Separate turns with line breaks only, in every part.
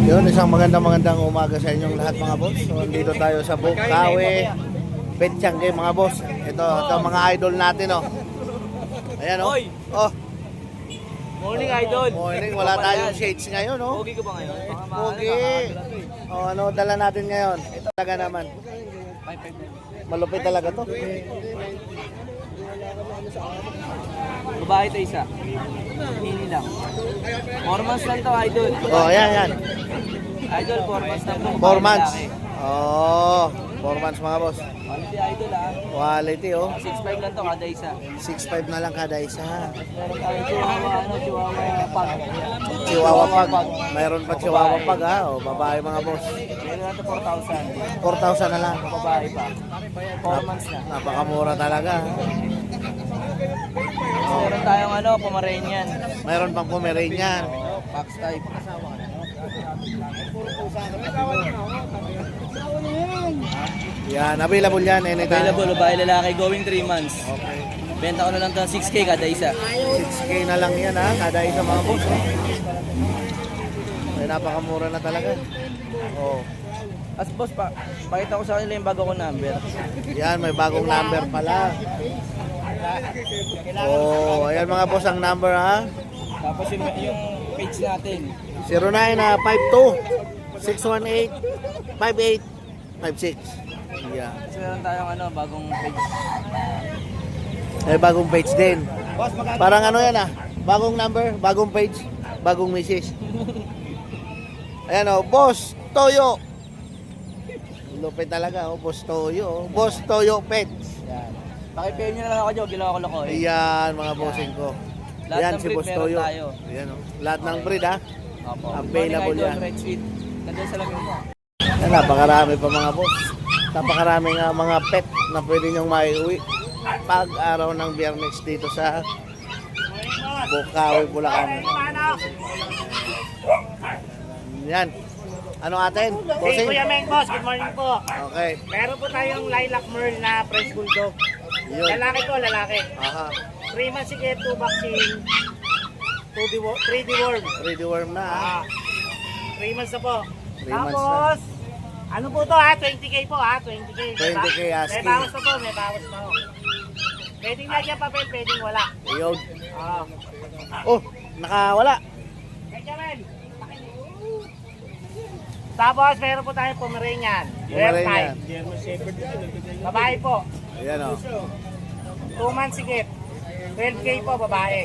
Yun, isang magandang umaga sa inyong lahat mga boss. So, dito tayo sa Bukawi Petchange mga boss. Ito mga idol natin oh. Ayan oh. Oh.
Morning idol.
Morning, wala tayong shades ngayon oh.
Pogi ko ba ngayon?
Pogi. Oh, ano dala natin ngayon? Ito talaga naman. Malupit talaga to.
Babae ito isa. Hindi lang. 4 months lang to idol.
Oh, ayan.
Idol, 4 months lang to.
4 months. Oh, 4 months mga boss.
Quality idol ah.
Quality oh.
6'5 lang to kada isa.
6'5 na lang kada isa.
Meron tayo chihuahua pag.
Chihuahua pag. Mayroon pa chihuahua pag ha. Oh, babae mga boss.
Meron na to 4,000.
4,000 na lang.
Babae pa. 4 months na.
Napakamura talaga.
Meron tayong Pomeranian.
Mayroon pang Pomeranian.
Fox type.
Yan, available yan anytime.
Available, babae lalaki, going 3 months.
Okay.
Benta ko na lang to 6K kada isa.
6K na lang yan ha, kada isa mga boss. Ay, napakamura na talaga. Oh.
As boss, pakita ko sa kanila yung bago ko number.
Yan, may bagong number pala. Oh, ayan mga boss ang number ha.
Tapos yung page natin.
0952-618-5856. Yeah.
Kasi meron tayong bagong page.
May bagong page din. Parang yan bagong number, bagong page, bagong message. Ayan o, Boss Toyo. Lupit talaga Boss Toyo. Boss Toyo Pets.
Yan. Pakipayin nyo na lang ako dyan, ginawa ko lang ko.
Ayan mga bossing ko.
Lahat
Ayan
ng
si
breed
Boss
meron
Toyo.
tayo.
Ayan o. Lahat ng breed ha.
Opo.
Available
Morning,
yan.
Idol, Red Sweet. Nandun sa lamin mo.
Ayan, napakarami pa mga boss. Napakarami nga mga pet na pwede nyong maiuwi pag araw ng Biyernes dito sa Bukawi, Bulacan. Yan. Ano atin?
Hey,
Bossing?
Kuya Meng Boss, good morning po.
Okay.
Meron po tayong lilac merle na French Bulldog.
Yun.
Lalaki po, lalaki.
Aha.
3 months sige, 2 vaccine, 3 deworm.
Ready worm na ha.
3 months na po.
3 months
Tapos, ano po to ha? 20k po ha? 20k.
20K
May
asking.
bawas na po, may bawas na po. Pwedeng lagyan papel, pwedeng wala.
Yun.
Ah.
Oh, nakawala.
Benjamin! Tapos, meron po tayong Pomeranian. Rare
Pomeranian.
type. Babae po.
Ayan o.
2 months sigit. 12k po, babae.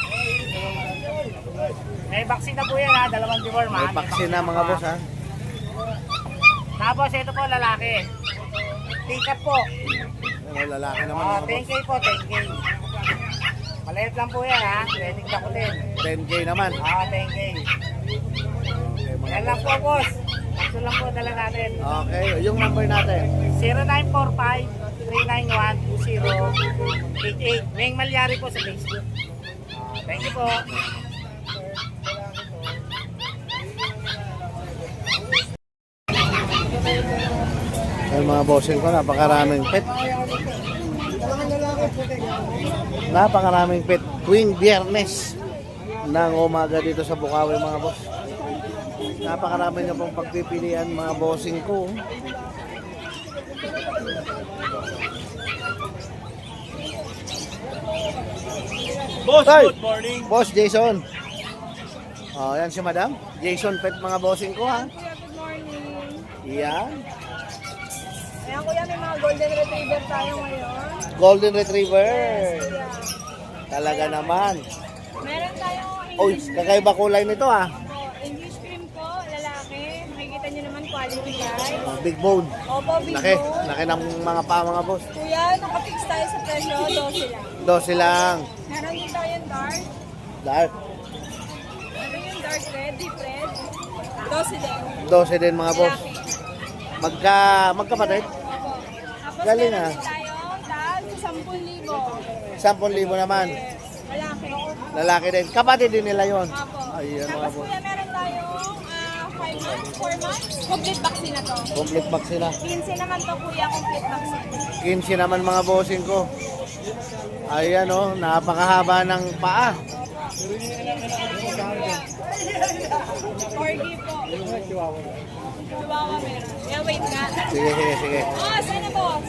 May vaccine na po yan ha, 2 deworm ha.
May vaccine na mga boss ha.
Tapos ito po, lalaki. Tikat po.
Ayan, lalaki naman mga boss.
10k po, 10k. Maliit lang po yan ha, pwedeng dakutin.
10K naman.
10k.
Okay, mga
Yan lang
boss.
po, boss. Ito lang po dala natin.
Okay, yung number natin.
0945-391-2088. Meng Malyari po sa Facebook. Thank you po.
Ay mga bossing ko, napakaraming pet. Napakaraming pet tuwing Biyernes ng umaga dito sa Bukawi mga boss. Napakarami na pong pagpipilian mga bossing ko.
Boss,
Tay!
good morning.
Boss Jason. Oh, yan si Madam. Jason Pet mga bossing ko ha.
Good morning.
Yan.
Ayan kuya, may mga golden retriever tayo ngayon.
Golden Retriever.
Kuya.
Talaga naman.
Meron tayong
Oy,
English
kakaiba kulay nito ah.
English cream po, lalaki. Makikita nyo naman quality guys.
Oh, big bone.
Opo, big
Laki.
bone.
Laki ng mga pa mga boss.
Kuya, nakapix tayo sa presyo, 12 lang.
12 lang.
Meron din tayong dark.
Dark.
Meron yung dark red, deep red. 12 din.
12 din mga boss.
Lalaki.
Magkapatid.
Opo. Tapos
Galing,
meron
ah.
din tayong tag, 10,000.
10,000 naman.
Lalaki.
Lalaki din. Kapatid din nila yon.
Opo.
Ayan mga
Tapos
boss.
kuya, meron tayong 5 months, 4 months. Complete vaccine na to.
Complete box sila.
15 naman to kuya, complete vaccine.
15 naman mga bossing ko. Ayan oh, napakahaba ng paa.
Corgi po. Chihuahua meron. Yeah, wait nga.
Sige.
Oh, sana boss?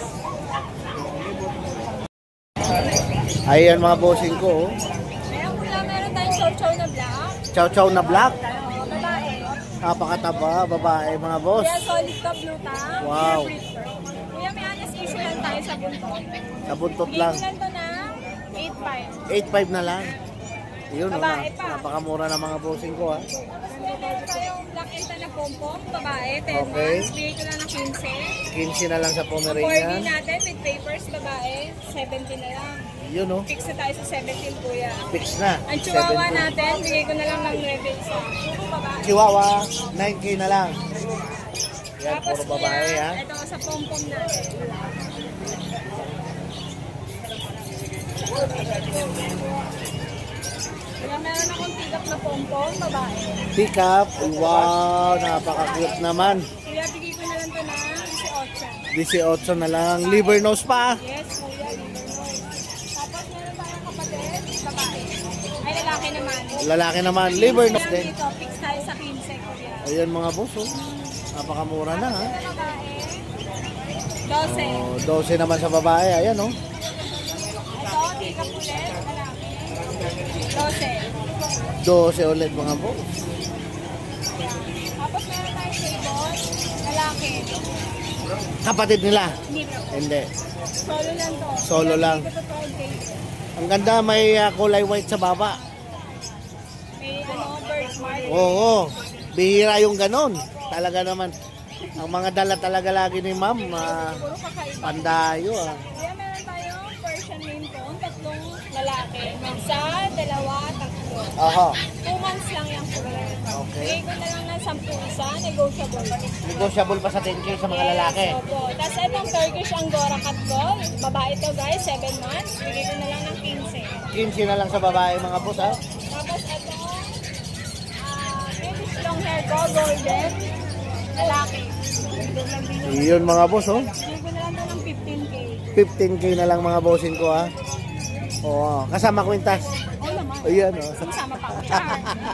Ayan mga bossing ko. Oh.
Meron pula, meron tayong chow-chow na black.
Chow-chow na black.
Oh, babae.
Napakataba, babae mga boss.
Kuya, solid ka blue tang.
Wow.
Pure breed fur. Kuya, may honest issue lang tayo sa buntot.
Sa buntot
Bigay
lang.
ko lang to na 8.5.
8.5 na lang. Yun, oh,
Babae pa.
napakamura ng mga bossing ko ha.
Tapos meron tayong black and tan na pompom, babae, 10
Okay.
months. Bigay ko lang ng 15.
15 na lang sa
Ang 4D
Pomeranian.
natin with papers, babae, 17 na lang.
Yun oh,
Fix na tayo sa 17, kuya.
fix na.
Ang chihuahua
7.2.
natin, bigay ko na lang ng 9 isa. Puro babae.
Chihuahua, 9K na lang. Yan,
Tapos
puro babae
kuya,
ha.
ito sa pompom natin. Kaya meron akong tigap na pompom, babae.
Pick up, wow, napaka-cute naman.
Kuya, bigay ko na lang to na
18 na lang. Liver nose pa.
yes, kuya, liver nose. Tapos meron tayong kapatid, babae. Ay, lalaki naman.
Lalaki naman, liver nose
Lang
din.
dito, fix tayo sa 15, kuya.
Ayan mga boss, oh. Napakamura na ha.
Ito babae, 12.
Oh, 12 naman sa babae, ayan oh.
Ito, tika pulet, lalaki. 12.
12 ulit mga boss.
Tapos meron tayong table, lalaki.
Kapatid nila.
Hindi bro.
Hindi.
Solo lang to.
Solo lang.
Ito to 12K.
Ang ganda, may kulay white sa baba.
May birthmark.
Oo, bihira yung ganon. Talaga naman. Ang mga dala talaga lagi ni ma'am,
Puro kakaiba.
pandayo ah.
Kaya meron tayong Persian main coon, tatlong lalaki. Isa, dalawa, tatlo.
Aha,
2 months lang yung kulay.
Okay.
Bigay ko na lang ng 10 isa, negotiable.
negotiable pa sa 10K sa mga lalaki.
Yes, opo. Tapos itong Turkish Angora Cat Call, babae to guys, 7 months. Bigay ko na lang ng 15.
15 na lang sa babae mga boss ha.
Tapos ito, British long hair ko, golden, lalaki.
Yun mga boss oh.
Bigay ko na lang to ng 15K.
15K na lang mga bossing ko ha. Oo, kasama kwintas.
Oh naman.
Ayan oh.
Sama pa ako dyan.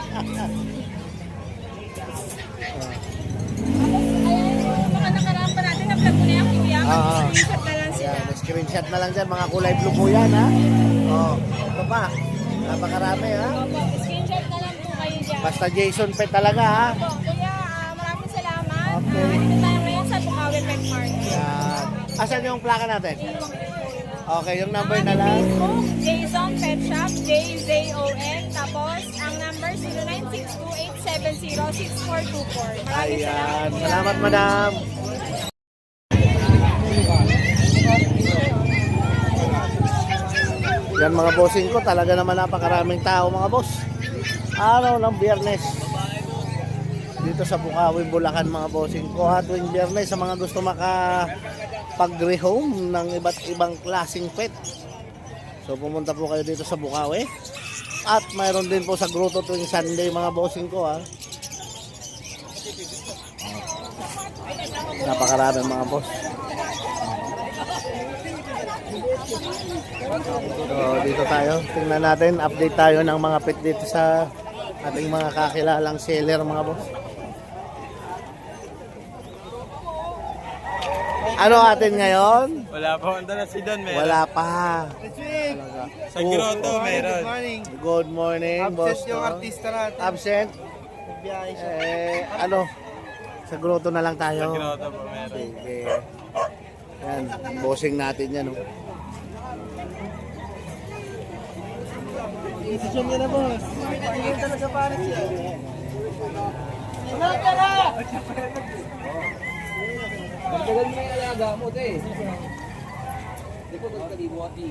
Ayan, mga nakaraan pa natin, na-vlog ko na yung kuya. Mag-screenshot na lang sila.
Ayan, screenshot na lang dyan, mga kulay blue po yan ha. Oh, ito pa. Napakarami ha.
Opo, screenshot na lang po kayo dyan.
Basta Jason Pet talaga ha.
Opo, kuya, maraming salamat.
Okay.
Dito tayo ngayon sa Bukawi Pet Market.
Yan. Asan yung plaka natin? Okay, yung number na lang.
Facebook, Jason Pet Shop, JZON. Tapos, ang number 0962-870-6424. Maraming
Ayan.
salamat, kuya.
Salamat, madam. Yan mga bossing ko, talaga naman napakaraming tao mga boss. Araw ng Biyernes. Dito sa Bukawi, Bulacan mga bossing ko. Tuwing Biyernes sa mga gusto makapag-rehome ng iba't ibang klaseng pet. So pumunta po kayo dito sa Bukawi. At mayroon din po sa Grotto tuwing Sunday mga bossing ko ha. Napakarami mga boss. So, dito tayo. Tingnan natin. Update tayo ng mga pet dito sa ating mga kakilalang seller mga boss. Ano atin ngayon?
Wala po. Ang dala si Don, meron.
Wala pa.
Sa grotto, meron.
Good morning, boss.
Absent yung artista natin.
Absent?
Biyahe siya.
Ano? Sa grotto na lang tayo.
Grotto po, meron.
Sige. Yan, bossing natin yan. Oh.
Decision niya na, boss. Hindi talaga para siya.
Magdagal mo yung alaga mo, te. Hindi ko magkalimuati.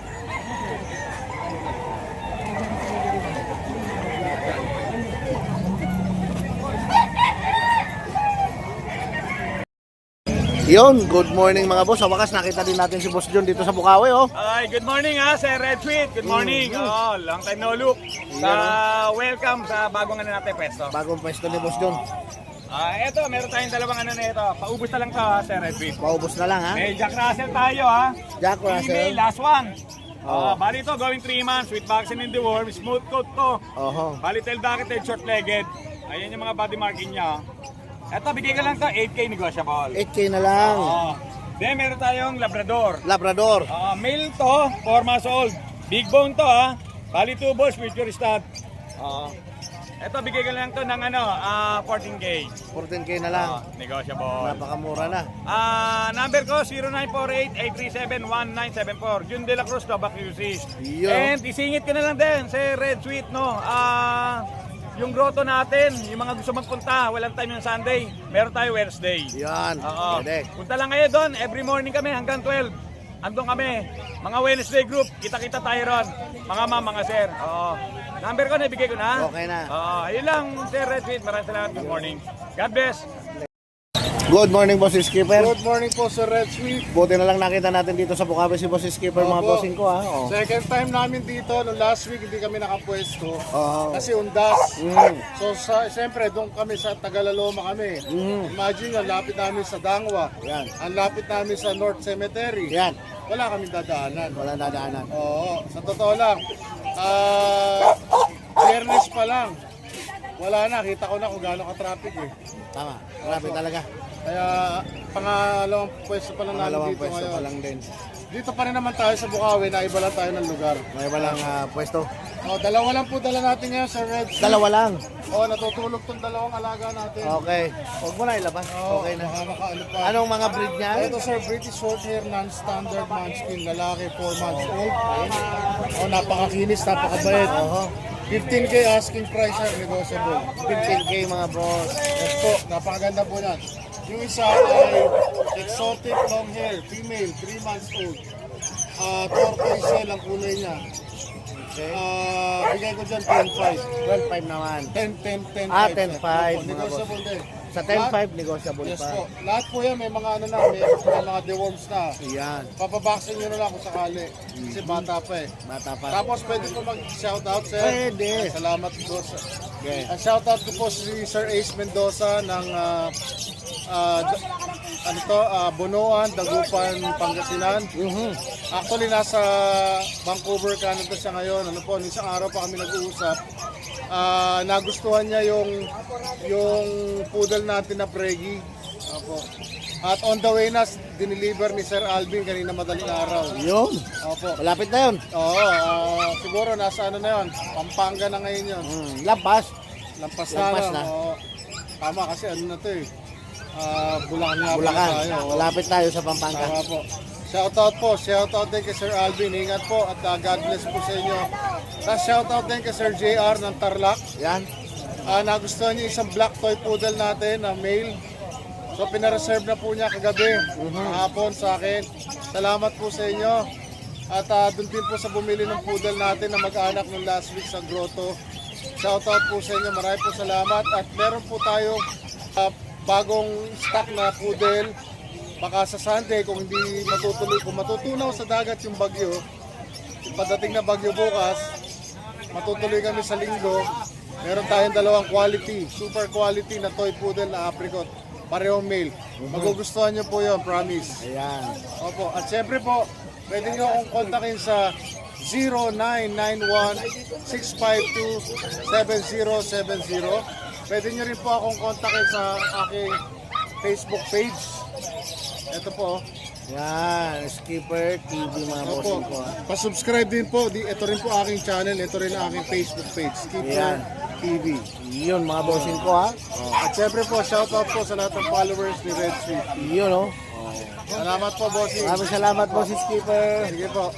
Yun, good morning mga boss. Sa wakas nakita din natin si Boss John dito sa Bukawi, oh.
Ay, good morning ha, Sir Red Tweet. Good morning. Oh, long time no look. Welcome sa bagong ano natin pwesto.
Bagong pwesto ni Boss John.
Eto, meron tayong dalawang ano na ito. Paubos na lang to ha, Sir Red Tweet.
Paubos na lang ha.
May Jack Russell tayo ha.
Jack Russell.
Female, last one.
Oh.
Bali ito, going 3 months with vaccine in the worm. Smooth coat to.
Oho.
Bali tail docketed, short-legged. Ayan yung mga body marking niya. Ito, bigay ka lang to 8K negotiable.
8K na lang.
Oo. Then meron tayong Labrador.
Labrador.
Male to, 4 months old. Big bone to ha. Bali 2 balls, future stud. Ito, bigay ka lang to ng 14K.
14K na lang.
Negotiable.
Napakamura na.
Number ko, 0948-837-1974. Jun De La Cruz, Tobac QC.
Yo.
And isingit ka na lang din sa Red Sweet, no? Yung grotto natin, yung mga gusto magpunta, walang time yung Sunday. Meron tayo Wednesday.
Yan.
Oo.
Pwede.
Punta lang kayo doon, every morning kami hanggang 12. Andun kami. Mga Wednesday group, kita-kita tayo ron. Mga ma'am, mga sir. Oo. Number ko, naibigay ko na.
Okay na.
Oo. Ayun lang, Sir Red Sweet. Maraming salamat. Good morning. God bless.
Good morning, Boss Skipper.
Good morning po sa Red Sweet.
Buti na lang nakita natin dito sa Bukawi si Boss Skipper, mga
Opo.
bossing ko ha. Oh.
Second time namin dito, no last week hindi kami nakapwesto.
Oo.
Kasi undas.
Mm.
So siyempre doon kami sa Tagalaloma kami. Imagine, ang lapit namin sa Dangwa.
Yan.
Ang lapit namin sa North Cemetery.
Yan.
Wala kaming dadaanan.
Wala dadaanan.
Oo, sa totoo lang. Biyernes pa lang. Wala na, kita ko na kung gaano ka-traffic eh.
Tama. Grabe talaga.
Kaya pangalawang pwesto pa lang namin
Pangalawang
dito
pwesto
ngayon.
pa lang din.
Dito pa rin naman tayo sa Bukawi, naiba lang tayo ng lugar.
May walang pwesto.
Dalawa lang po dala natin ngayon sa Red Sea.
Dalawa lang.
Natutulog tong dalawang alaga natin.
Okay. Huwag mo na ilabas. Okay na.
Baka makaano pa.
Anong mga breed niya?
Ito sir, British Shorthair Non-Standard Munchkin, lalaki, 4 months old. Napakakinis, napakabait. 15K asking price sir, negotiable.
15K mga boss.
Yes po, napakaganda po yan. Yung isa ay exotic long hair, female, 3 months old. Turquoise shell ang kulay niya. Bigay ko dyan 10-5.
12.5 naman.
10-5.
10.5 mga boss.
Negotiable din.
Sa 10.5 negotiable
Yes
pa.
po. Lahat po yan, may mga may mga deworms na.
Yan.
Papabaksin nyo na lang kung sakali. Kasi bata pa eh.
Bata pa.
Tapos pwede po mag-shoutout sir.
Pwede.
Salamat po.
Okay.
Ang shoutout ko po si Sir Ace Mendoza ng Bonoan, Dagupan, Pangasinan. Actually nasa Vancouver, Canada siya ngayon. Isang araw pa kami nag-uusap. Nagustuhan niya yung poodle natin na Pregi. Opo. At on the way na, dineliver ni Sir Alvin kanina madaling araw.
Yun.
Opo.
Malapit na yun.
Oo, siguro nasa na yun. Pampanga na ngayon yun.
Lampas.
Lampas
Lampas na.
na. Oo. Tama kasi na to eh. Bulacan nga po
Bulacan.
tayo. Oo.
Malapit tayo sa Pampanga.
Tama po. Shoutout po. Shoutout din kay Sir Alvin. Ingat po at God bless po sa inyo. Tapos shoutout din kay Sir JR ng Tarlac.
Yan.
Nagustuhan niyo isang black toy poodle natin na male. So pinareserve na po niya kagabi. Kahapon sa akin. Salamat po sa inyo. At doon din po sa bumili ng poodle natin na mag-anak ng last week sa Grotto. Shoutout po sa inyo. Maraming po salamat. At meron po tayo bagong stock na poodle. Baka sa Sunday kung hindi matutuloy, kung matutunaw sa dagat yung bagyo, yung padating na bagyo bukas, matutuloy kami sa linggo. Meron tayong dalawang quality, super quality na toy poodle na apricot. Parehong male. Magugustuhan nyo po yun, promise.
Ayan.
Opo. At syempre po, pwede nyo akong kontakin sa 0991-652-7070. Pwede nyo rin po akong kontakin sa aking Facebook page. Ito po.
Yan. Skipper TV mga bossing ko.
Pa-subscribe din po. Ito rin po aking channel. Ito rin ang aking Facebook page. Skipper
Yan.
TV.
Yun mga bossing ko ha.
At syempre po, shoutout po sa lahat ng followers ni Red Sweet.
Yun oh.
Salamat po, bossing.
Maraming salamat po si Skipper.
Sige po.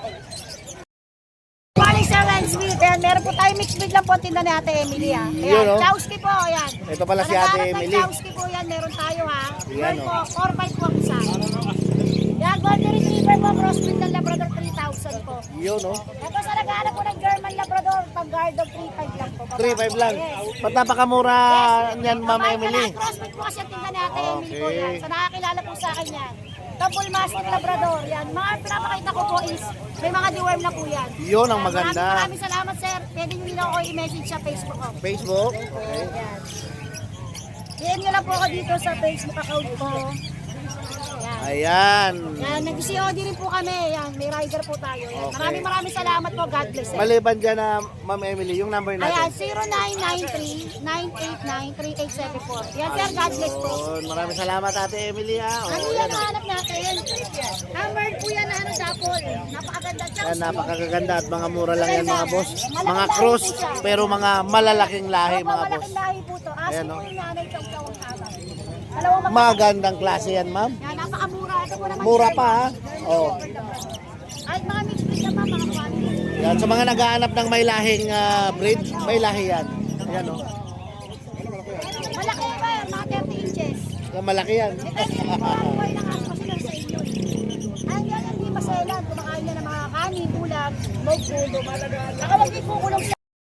Morning Sir Red Sweet. Ayan, meron po tayo mixed breed lang po tinda ni Ate Emily ha. Ayan,
Yun, oh.
Chowski po, ayan.
Ito pala si Ate
Naghahanap ng
Emily.
Chowski po yan, meron tayo ha.
Ayan,
Meron
oh.
po, 4-5 po ang isa. Yan, Golden Retriever po, crossbreed ng Labrador 3,000 po.
Yun oh.
Ito sa naghahanap po ng German Labrador, pag guard dog 3,500 lang po.
3.5 lang.
Yes.
Ba't napakamura niyan, Ma'am
Babae
Emily?
pala, crossbreed po kasi ang tinda ni Ate Emily po
Okay.
yan. Sa nakakilala po sa akin yan. Double Mastiff Labrador, yan. Mga pinapakita ko po is, may mga deworm na po yan.
Yun ang
Yan,
maganda.
Maraming salamat sir. Pwede nyo nila ako i-message sa Facebook ko.
Facebook.
Yan. DM nyo lang po ako dito sa Facebook account ko. Yan.
Ayan.
Yan, nag-COD rin po kami. Yan, may rider po tayo. Yan.
Okay.
Maraming salamat po. God bless.
Maliban dyan na Ma'am Emily, yung number
Ayan,
natin.
0993-989-3874. Yan, sir. God bless po.
Yun, maraming salamat Ate Emily ha. O,
Ano
yan,
yan
o.
ang hanap natin? Hammered po yan na ano, dapol. Napakaganda.
Yan, napakaganda at mga mura lang yan mga boss. Mga cross, pero mga malalaking lahi mga boss.
Malaking lahi po to. Aso
Ayan,
po
no?
yung nanay chow-chow ang tawag. Dalawang
Magandang klase yan ma'am.
Yan, napakamura. Ito po naman.
Mura
sir.
pa ha. Oh.
Ay, mga mixed breed naman, mga quality.
Yan, sa mga naghahanap ng may lahing breed, may lahi yan. Ayan o.
Malaki ba? Mga 30 inches.
Malaki yan.
Eh, kasi yung mga buhay ng aso kasi nasa inyo. Ay, yan, hindi maselan. Kumakain na ng mga kanin, ulam, mog, pulo, malaga. Saka wag ikukulong